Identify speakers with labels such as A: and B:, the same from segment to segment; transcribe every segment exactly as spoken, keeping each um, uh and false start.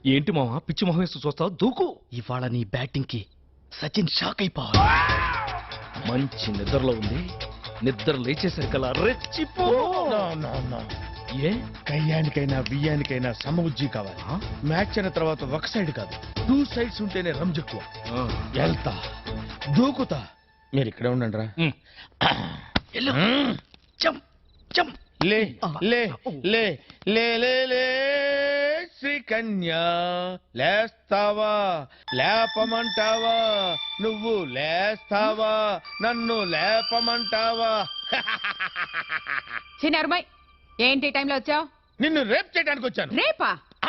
A: ఏంటి మావా పిచ్చి మొహం వేస్తూ చూస్తావు? దూకు.
B: ఇవాళ నీ బ్యాటింగ్ కి సచిన్ షాక్ అయిపోవాలి.
A: మంచి నిద్రలో ఉంది, నిద్ర లేచేసరికల్లా రెచ్చిపో.
C: ఏ కయ్యానికైనా బియ్యానికైనా సమబుజ్జి కావాలి. మ్యాచ్ అయిన తర్వాత ఒక సైడ్ కాదు, టూ సైడ్స్ ఉంటేనే రంజెక్కువ. వెళ్తా, దూకుతా, మీరు ఇక్కడే ఉండండి రా. లే లే లే లే లే లే శ్రీకన్యా, లేస్తావా లేపమంటావా? నువ్వు లేస్తావా నన్ను లేపమంటావా?
D: చిన్నరుమై, ఏంటి టైంలో వచ్చావు?
C: నిన్ను రేప్ చేయడానికి వచ్చాను.
D: రేపా?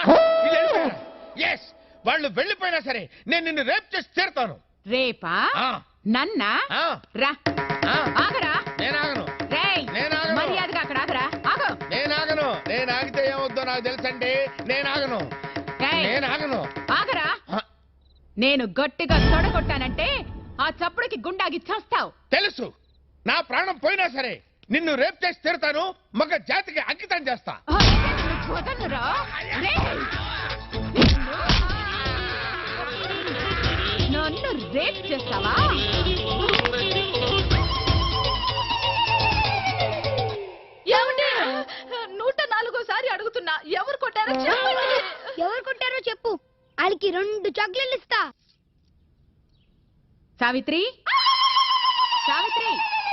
C: ఎస్, వాళ్ళు వెళ్ళిపోయినా సరే నేను నిన్ను రేప్ చేసి తీరుతాను.
D: రేపా? నన్నా? రా. ఆగరా.
C: నేను ఆగను.
D: మర్యాదగా అక్కడ ఆగరా. ఆగు.
C: నేను ఆగను. నేను ఆగితే ఏమవుద్దో నాకు తెలుసండి. నేను ఆగను. నేను ఆగను.
D: ఆగరా. నేను గట్టిగా తొడగొట్టానంటే ఆ చప్పుడుకి గుండాగి చేస్తావు.
C: తెలుసు. నా ప్రాణం పోయినా సరే నిన్ను రేప్ చేసి తీరుతాను. మగ జాతికి అంకితం చేస్తా.
D: నన్ను రేప్ చేస్తావా? నూట నాలుగోసారి అడుగుతున్నా, ఎవరు కొట్టారో చెప్పండి.
E: ఎవరు కొట్టారో చెప్పు, వాళ్ళకి రెండు చాక్లెట్లు ఇస్తా.
D: సావిత్రి, సావిత్రి.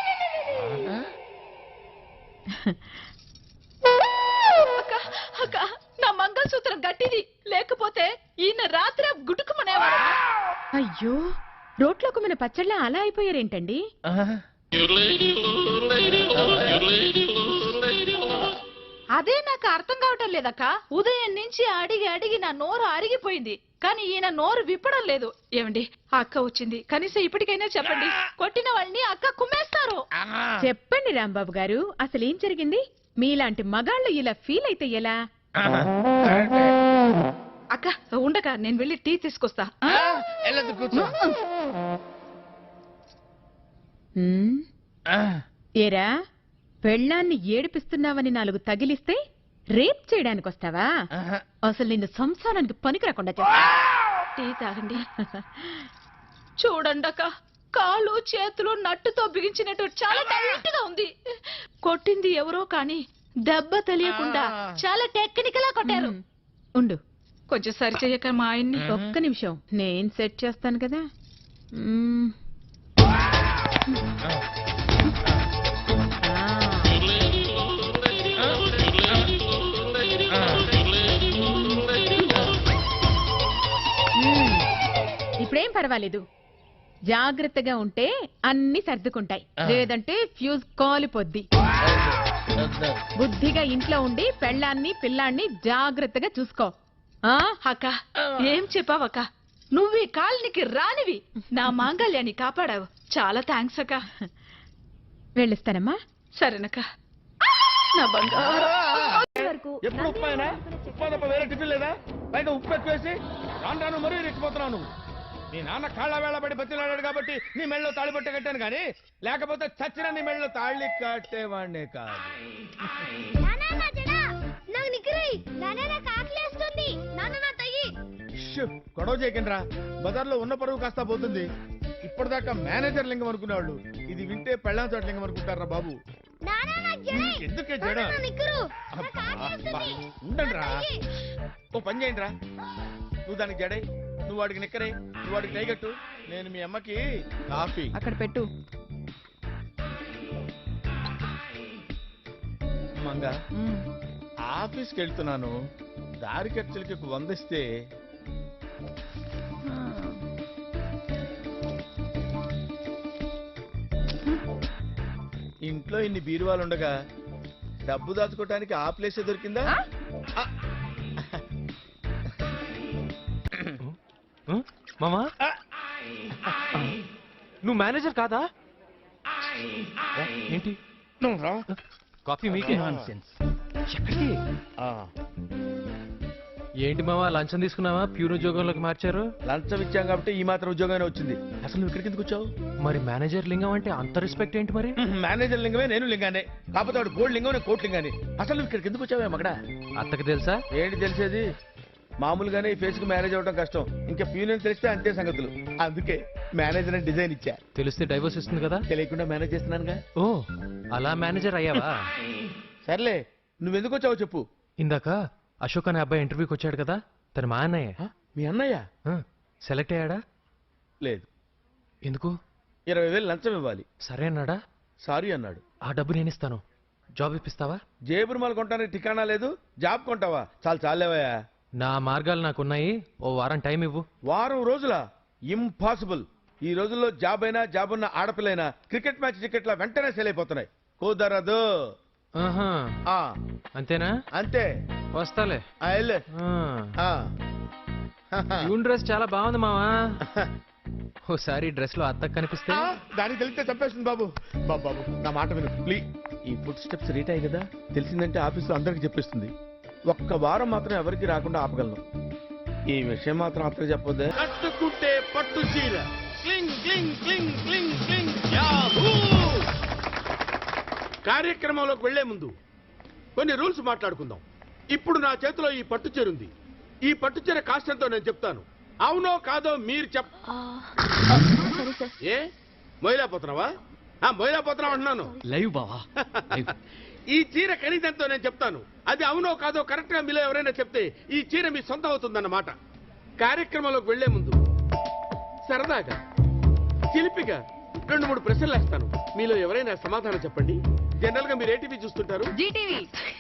D: అక్క, అక్క, నా మంగళసూత్రం గట్టిది, లేకపోతే ఈయన రాత్రి గుడుకుమనేవాడు. అయ్యో, రోట్లోకి మన పచ్చళ్ళ అలా అయిపోయారేంటండి? అదే నాకు అర్థం కావటం లేదక్క. ఉదయం నుంచి అడిగి అడిగి నా నోరు అరిగిపోయింది, కానీ ఈయన నోరు విప్పడం లేదు. ఏమండి, అక్క వచ్చింది, కనీసం ఇప్పటికైనా చెప్పండి. కొట్టిన వాళ్ళని అక్క కుమ్మేస్తారు. చెప్పండి రాంబాబు గారు, అసలు ఏం జరిగింది? మీలాంటి మగాళ్ళు ఇలా ఫీల్ అయితే ఎలా? అక్క ఉండక నేను వెళ్ళి టీ తీసుకొస్తా. ఏరా, పెళ్ళాన్ని ఏడిపిస్తున్నావని నాలుగు తగిలిస్తే రేప్ చేయడానికి వస్తావా? అసలు నిన్ను సంసారానికి పనికి రాకుండా చేస్తా. టీ తాగండి. చూడండక్క, కాళ్ళు చేతులు నట్టుతో బిగించినట్టు చాలా టైట్ గా ఉంది. కొట్టింది ఎవరో కానీ దెబ్బ తెలియకుండా చాలా టెక్నికల్ గా కొట్టారు. ఉండు, కొంచెం సరి చెయ్యక మా ఆయన్ని. ఒక్క నిమిషం, నేను సెట్ చేస్తాను కదా. ఇప్పుడేం పర్వాలేదు, జాగ్రత్తగా ఉంటే అన్ని సర్దుకుంటాయి, లేదంటే ఫ్యూజ్ కాలిపోద్ది. బుద్ధిగా ఇంట్లో ఉండి పెళ్ళాన్ని పిల్లాన్ని జాగ్రత్తగా చూసుకో. అక్క, ఏం చెప్పావక్క? నువ్వు ఈ కాలనికి రానివి నా మాంగళ్యాన్ని కాపాడావు. చాలా థ్యాంక్స్ అక్క. వెళ్ళిస్తానమ్మా. సరేనక్క. నా బంగారు.
C: ఎప్పుడు ఉప్పు అయినా ఉప్పు తప్ప వేరే టిఫిన్ లేదా? బయట ఉప్పు ఎక్కువేసి రాను రాను మరీ రెచ్చిపోతున్నావు నువ్వు. నీ నాన్న కాళ్ళ వేళ పడి బతిలాడాడు కాబట్టి నీ మెళ్ళలో తాళి పట్టే కట్టాను, కానీ లేకపోతే చచ్చిన నీ మెళ్ళలో తాళి కట్టేవాడినే కాదు. గొడవ చేయకండి, బజార్లో ఉన్న పరువు కాస్త పోతుంది. ఇప్పటిదాకా మేనేజర్ లింగం అనుకునేవాళ్ళు ఇది వింటే పెళ్ళాం చోట లింగం అనుకుంటారా బాబు? ఎందుకే జడ? ఉండండి రా, ఓ పని చేయండి రా. నువ్వు దానికి జడై, నువ్వు వాడికి నిక్కరే, నువ్వు వాడికి టైగట్టు, నేను మీ అమ్మకి కాఫీ
D: అక్కడ పెట్టు.
C: మంగ, ఆఫీస్కి వెళ్తున్నాను, దారి ఖర్చులకి వందిస్తే. ఇంట్లో ఇన్ని బీరువాలు ఉండగా డబ్బు దాచుకోవటానికి ఆ ప్లేసే దొరికిందా?
A: మామా, నువ్వు మేనేజర్ కాదా? ఏంటి కాఫీ మీకే? ఎక్కడికి? ఏంటి మామా, లంచం తీసుకున్నావా? ప్యూర్ ఉద్యోగంలోకి మార్చారు.
C: లంచం ఇచ్చాం కాబట్టి ఈ మాత్రం ఉద్యోగమే వచ్చింది. అసలు నువ్వు ఇక్కడికి ఎందుకు వచ్చావు?
A: మరి మేనేజర్ లింగం అంటే అంత రెస్పెక్ట్ ఏంటి? మరి
C: మేనేజర్ లింగమే, నేను లింగానే. కాకపోతే వాడు గోల్డ్ లింగం, నేను కోట్ లింగానే. అసలు నువ్వు ఇక్కడికి ఎందుకు వచ్చావే మగడా?
A: అత్తకి తెలుసా?
C: ఏంటి తెలిసేది? మామూలుగానే ఈ ఫేస్ కి మేనేజ్ అవ్వడం కష్టం ఇంకా ప్యూనియన్ తెలిస్తే అంతే సంగతులు. అందుకే మేనేజర్ అని డిజైన్ ఇచ్చా.
A: తెలిస్తే డైవర్స్ ఇస్తుంది కదా.
C: తెలియకుండా మేనేజ్ చేస్తున్నానుగా.
A: ఓ అలా మేనేజర్ అయ్యావా?
C: సర్లే, నువ్వెందుకు వచ్చావో చెప్పు.
A: ఇందాక అశోక్ అనే అబ్బాయి ఇంటర్వ్యూకి వచ్చాడు కదా, తన మా అన్నయ్య.
C: ఆ, మీ అన్నయ్య?
A: ఆ, సెలెక్ట్ అయ్యాడా?
C: లేదు.
A: ఎందుకు?
C: ఇరవై వేలు లంచం ఇవ్వాలి.
A: సరే అన్నాడా?
C: సారీ అన్నాడు.
A: ఆ డబ్బు నేను ఇస్తాను, జాబ్ ఇప్పిస్తావా?
C: జేబురుమాలు కొంటానికి ఠికానా లేదు, జాబ్ కొంటావా? చాలు చాలేవయ్యా.
A: నా మార్గాలు నాకున్నాయి, ఓ వారం టైం ఇవ్వు.
C: వారం రోజుల ఇంపాసిబుల్. ఈ రోజుల్లో జాబ్ అయినా జాబ్ ఉన్న ఆడపిల్లైనా క్రికెట్ మ్యాచ్ టికెట్ల వెంటనే సేల్ అయిపోతున్నాయి. కుదరదు.
A: ఆహా,
C: ఆ,
A: అంతేనా?
C: అంతే.
A: వస్తాలే.
C: ఆ, వెళ్ళు.
A: ఆ,
C: ఆ.
A: యూన్ డ్రెస్ చాలా బాగుంది మావా. ఓసారి డ్రెస్ లో అత్తకు కనిపిస్తే.
C: ఆ, దానికి తెలిస్తే చంపేస్తుంది బాబు. బాబు బాబు నా మాట విను ప్లీజ్. ఈ ఫుడ్ స్టెప్స్ రీట్ అయ్యి కదా, తెలిసిందంటే ఆఫీస్లో అందరికి చెప్పేస్తుంది. ఒక్క వారం మాత్రం ఎవరికి రాకుండా ఆపగలను. ఈ విషయం మాత్రం అత్తకు చెప్పొద్దే. కట్టుకుంటే పట్టు చీర క్లింగ్ క్లింగ్ క్లింగ్ క్లింగ్ క్లింగ్ యాహూ. కార్యక్రమంలోకి వెళ్లే ముందు కొన్ని రూల్స్ మాట్లాడుకుందాం. ఇప్పుడు నా చేతిలో ఈ పట్టు చీర ఉంది. ఈ పట్టు చీర కాస్ట్ ఎంతో నేను చెప్తాను. అవునో కాదో మీరు చెప్. ఏ మొయిలాపోతున్నావా? మొయిలాపోతున్నావు అంటున్నాను.
B: లైవ్ బావా లైవ్.
C: ఈ చీర ఖరీదంతో నేను చెప్తాను. అది అవునో కాదో కరెక్ట్ గా మీలో ఎవరైనా చెప్తే ఈ చీర మీ సొంతం అవుతుందన్నమాట. కార్యక్రమంలోకి వెళ్లే ముందు సరదాగా చిలిపిగా రెండు మూడు ప్రశ్నలు వేస్తాను. మీలో ఎవరైనా సమాధానం చెప్పండి. జనరల్ గా మీరు ఏ టీవీ చూస్తుంటారు?
D: జీటీవీ.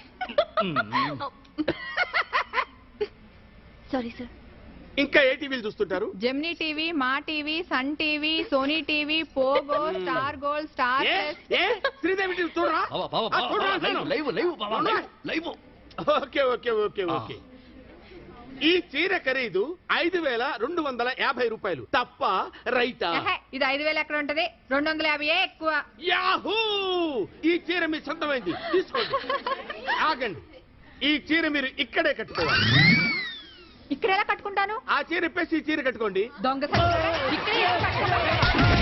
E: Sorry sir.
C: ఇంకా ఏ టీవీలు చూస్తుంటారు?
D: Gemini TV, Maa TV, Sun TV, Sony TV, Pogo, Star Gold, Star
C: ఏ? ఏ? శ్రీదేవి టీవీ చూడరా?
B: బావా, బావా,
C: ఆ, చూడరా
B: బావా,
C: అంటున్నాను.
B: లైవ్ లైవ్ బావా, live live.
C: Okay okay okay okay. ఈ చీర ఖరీదు ఐదు వేల రెండు వందల యాభై రూపాయలు తప్ప రైటా?
D: ఇది ఐదు వేలు ఎక్కడ ఉంటది? రెండు వందల యాభై ఎక్కువ.
C: యాహూ! ఈ చీర మీ సొంతమైంది, తీసుకోండి. ఆగండి, ఈ చీర మీరు ఇక్కడే కట్టుకోవాలి.
D: ఇక్కడ ఎలా కట్టుకుంటాను?
C: ఆ చీర ఇప్పేసి ఈ చీర కట్టుకోండి.
D: దొంగ సచ్చినోడా, ఇక్కడే ఎలా కట్టుకుంటాను?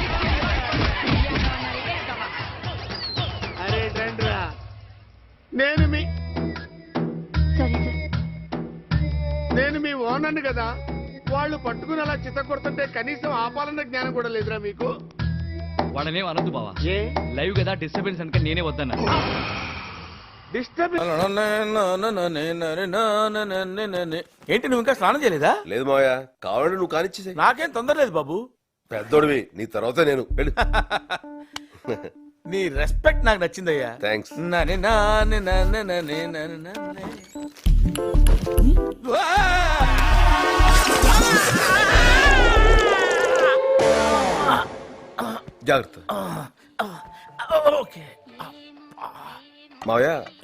C: అరే రండ్రా, నేను మీ
E: సారీ సార్.
C: నేను మీ ఓనర్ని కదా. వాళ్ళు పట్టుకుని అలా చిత్త కొడుతుంటే కనీసం ఆపాలన్న జ్ఞానం కూడా లేదురా మీకు?
B: వాళ్ళనేం అనొద్దు బావా,
C: ఏ
B: లైవ్ కదా, డిస్టర్బెన్స్ అంటే నేనే వద్దన్నా.
C: డిస్టర్బ్
F: ఏంటి నువ్వు ఇంకా స్నానం చేయలేదా?
G: లేదు మావయ్య, కావాలంటే నువ్వు కానిచ్చేసే.
F: నాకేం తొందర లేదు బాబు.
G: పెద్దోడివి, నీ తర్వాత నేను వెళ్ళు.
F: నీ రెస్పెక్ట్ నాకు నచ్చిందయ్యా.
G: థ్యాంక్స్.
F: నని నాని నని నని నని నని. వా!
G: జాగ్రత్త
F: ఓకే
G: మావయ్య.